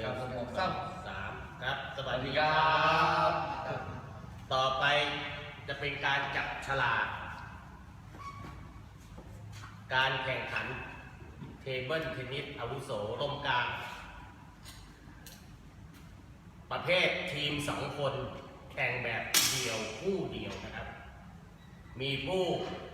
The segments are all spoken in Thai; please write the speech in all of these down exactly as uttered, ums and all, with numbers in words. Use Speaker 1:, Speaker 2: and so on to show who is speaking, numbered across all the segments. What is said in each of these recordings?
Speaker 1: งสองสามครับสวัสดีครับ ต่อไปจะเป็นการจับฉลากการแข่งขันเทเบิลเทนนิสอาวุโสร่มกลางประเภททีมสองคนแข่งแบบเดี่ยวคู่เดียวนะครับมีผู้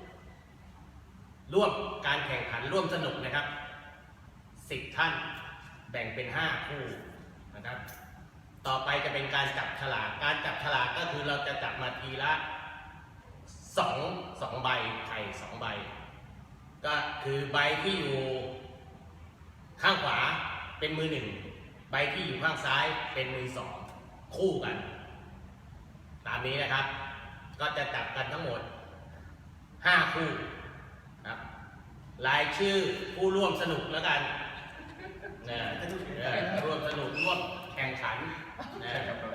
Speaker 1: ร่วมการแข่งขันร่วมสนุกนะครับสิบท่านแบ่งเป็นห้าคู่นะครับต่อไปจะเป็นการจับฉลากการจับฉลากก็คือเราจะจับมาทีละสองสองใบไข่สองใบก็คือใบที่อยู่ข้างขวาเป็นมือหนึ่งใบที่อยู่ข้างซ้ายเป็นมือสองคู่กันตามนี้นะครับก็จะจับกันทั้งหมดห้าคู่ครับรายชื่อผู้ร่วมสนุกแล้วกันนะร่วมสนุกร่วมแข่งขันนะ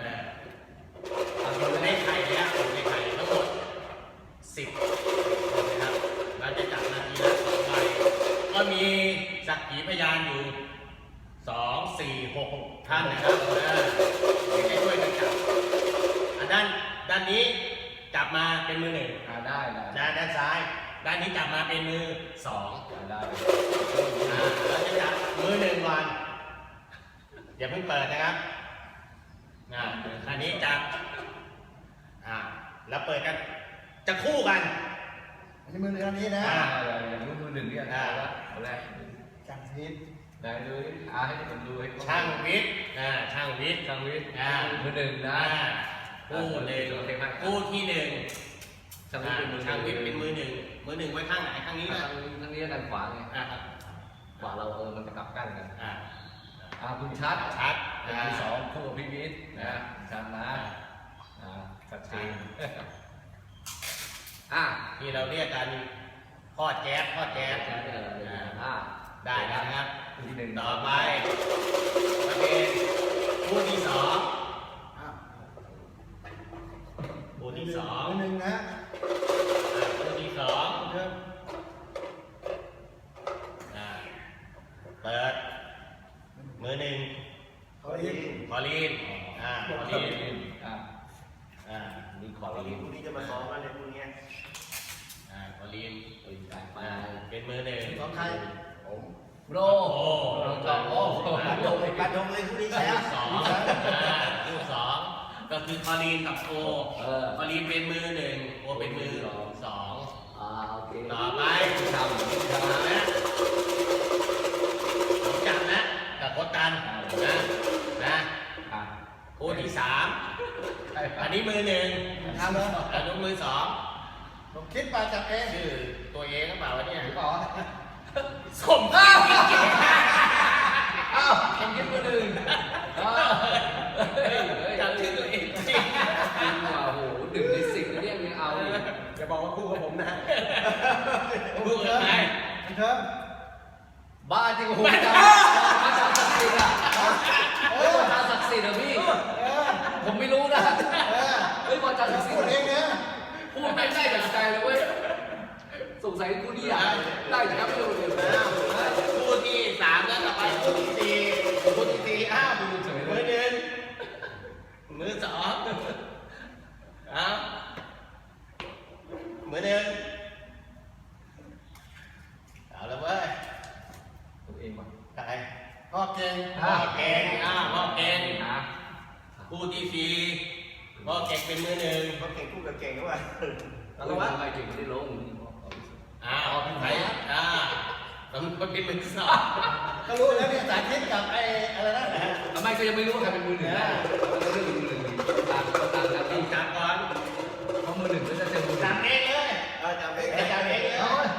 Speaker 1: อยู่ในไข่เนี่ยอยู่ในไข่ทั้งหมดสิบคนนะครับเราจะจับนาทีละสองใบก็มีสักขีพยานอยู่สองสี่หกท่านนะครับให้ช่วยกันจับด้านด้านนี้จับมาเป็นมือหนึ่งได้ได้ด้านซ้ายด้านนี้จับมาเป็นมือสองได้เราจะจับมือหนึ่งก่อนอย่าเพิ่งเปิดนะครับอันนี้จับอ่าแล้วเปิดกันจะคู่กัน
Speaker 2: อันนี้มือหนึ่งอันนี้นะ
Speaker 3: อย่างนู้นมือหนึ่งเนี่ยได้แล้วเอาแรก
Speaker 2: ช่างวิทย์
Speaker 3: ได้เลยอาให้ผมดูให้
Speaker 1: ช่างวิทย์อ่าช่างวิทย์
Speaker 3: ช่างวิทย์มือหนึ่งนะ
Speaker 1: คู่หนึ่งคู่ที่หนึ่งช่างวิทย์ช่างวิทย์เป็นมือหนึ่งมือหนึ่งไว้ข้างไหนข้างนี้นะ
Speaker 3: ข้างนี้ด้านขวาไงขวาเราเออมันจะกลับกันกันอ่าอ่าคุณชัด
Speaker 1: ชัด
Speaker 3: ที่สองคู่กับพี่วิทย์นะชัดนะอ่าชัดเจนอ่า
Speaker 1: ที่เราเรียกกันพ่อแจ๊บพ่อแจ๊บ
Speaker 3: อ่า
Speaker 1: ได้แล้วนะครับ
Speaker 3: ที่หนึ่ง
Speaker 1: ต่อไปประเภทคู่ที่สองคู่ที่สอง
Speaker 2: มือหนึ่งนะ
Speaker 1: คู่ที่สองเปิดมือหนึ่ง
Speaker 2: คอลีน
Speaker 1: คอลีนอ่าคอลีน
Speaker 3: อ่าอ่านี่คอลีน
Speaker 2: คู่นี้จะมาซ้อมกันเลยคู่นี้
Speaker 1: อ่าคอลีนเป็นมือหนึ่ง
Speaker 2: ซ้อมใคร
Speaker 3: ผมโร
Speaker 1: โอ้
Speaker 3: โร
Speaker 2: โอ้การดงการดงเลยคู่นี้แชมป์
Speaker 1: สองคู่สองก็คือคอลีนกับโอคอลีนเป็นมือหนึ่งโอเป็นมือสอง
Speaker 3: อ่าโอเค
Speaker 1: ต่อไป
Speaker 3: ทำทำ
Speaker 1: นะจับนะกับโคตันนะนะคู่ที่สามอันนี้มือหนึ่ง
Speaker 2: ทำเลย
Speaker 1: อันนี้มือสอง
Speaker 2: ผมคิดมาจับเอง
Speaker 1: ชื่อตัวเองหรือเปล่าวะเนี่ย
Speaker 2: หรือเปล่า
Speaker 1: สมอ้าว
Speaker 3: อ้าวทำคิดมือหนึ่ง
Speaker 1: จับชื่อตัวเองจริง
Speaker 3: จริงว่ะโหหนึ่งในสิบเนี่ยยังเอา
Speaker 2: อย่าบอกว่าคู่กับผมนะ
Speaker 1: คู่กับใคร
Speaker 2: เชิญ
Speaker 3: บ้าจริงโอ้โหอาจารย์ศักดิ์สิทธิ์อ่ะเฮ้ยอาจารย์ศักดิ์สิทธิ์อ่ะพี่ผมไม่รู้นะเฮ้ยอาจารย์ศักดิ์สิทธิ์
Speaker 2: พูดเองเนี่ย
Speaker 3: พูดไม่ได้จากใจเลยเว้ยสงสัยคู่นี้อ่ะได้จากครับไม่รู้เลยนะ
Speaker 1: คู่ที่สามแล้วต่อไปคู่ที่สี่คู่ที่สี่อ้าวมือหนึ่งมือสองอ้าวมือหนึ่งเอาละเว้ย
Speaker 3: ตัวเองมั้ง
Speaker 1: ใคร
Speaker 2: พ่อเก่ง
Speaker 1: พ่อเก่งอ่าพ่อเก่งคู่ที่สี่พ่อเก่งเป็นมือหนึ่ง
Speaker 2: พ่อเก่งคู่กับเก่งด้วย
Speaker 3: แล้วว่าใครเก่งไม่ได้ลง
Speaker 1: อ้าวใครอ่าต้องเป็นมือสอง
Speaker 2: ก็รู้แล้วเนี่ยสาธิตกับไอ้อะไรนั่นแหละ
Speaker 3: ทำไมก็ยังไม่รู้ใครเป็นมือหนึ่งนะเราเรื่องมือหนึ่งต่างต่างกัน
Speaker 1: จริงจังก่อน
Speaker 3: เพราะมือหนึ่งก็จะเจอมือ
Speaker 1: จับเองเลย
Speaker 2: จับเอง
Speaker 1: จับเองเลย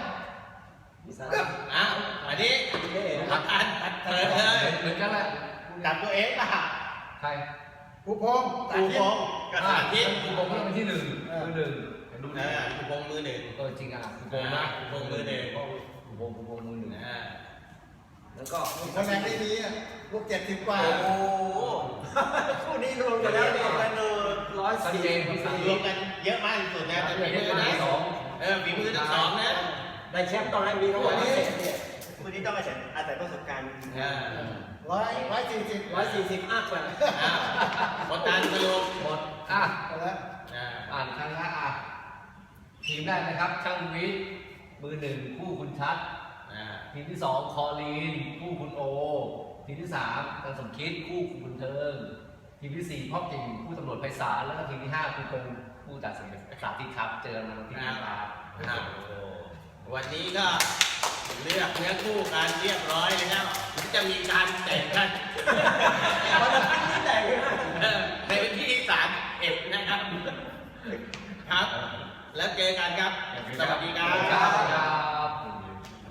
Speaker 1: อ้าวอันนี้พักอันเปิดเลย
Speaker 3: เหมือนกันแหละ
Speaker 1: จับตัวเองป่ะ
Speaker 3: ใคร
Speaker 2: ผู้พง
Speaker 1: ผู้พงกับสาธิต
Speaker 3: ผู้พงก็เป็นที่หนึ่งมือหนึ่ง
Speaker 1: ดูนะผู้พงมือหนึ่ง
Speaker 3: เออจริงอ่ะผู้พง
Speaker 1: นะผู้พงมือหนึ่ง
Speaker 3: ผู้พงผู้พงมือหนึ่ง
Speaker 1: อ่า
Speaker 2: แล้วก็คนแรงได้ดีอ่ะลูกเจ็ดสิบกว่าโอ้โหคู่นี้รวมกันแล้วรวมกันร้อยสี่
Speaker 1: รวมกันเยอะมากที่สุดนะแต่ฝีมือนะสองเออฝีมือทั้งสองนะ
Speaker 2: ได้แชมป์ตอนแรกมีทั้งหมดนี้
Speaker 4: คุณนี่ต้องอาศัยอาศัยประสบการณ์
Speaker 1: อ่า
Speaker 2: ร้อยร้อยสี่สิบ
Speaker 4: ร้อยสี่สิบอัพกว่า
Speaker 1: อ่าหมดการสรุป
Speaker 3: หมดอ่ะ
Speaker 2: เอาละ
Speaker 1: อ่า
Speaker 3: อ่านครั้งละอ่ะทีมแรกนะครับ ช่างวิทย์มือหนึ่งคู่คุณชัด
Speaker 1: อ่า
Speaker 3: ทีมที่สองคอลีนคู่คุณโอ ทีมที่สามกันสมคิดคู่คุณบุญเทิง ทีมที่สี่พ่อกิ่งคู่ตำรวจไพศาลแล้วก็ทีมที่ห้าคุณกงคู่ตัดสินสาธิตครับเจอกันวันที่ห้าครับ
Speaker 1: ครับวันนี้ก็เลือกเนื้อคู่กันเรียบร้อยแล้วถึงจะมีการแต่งกัน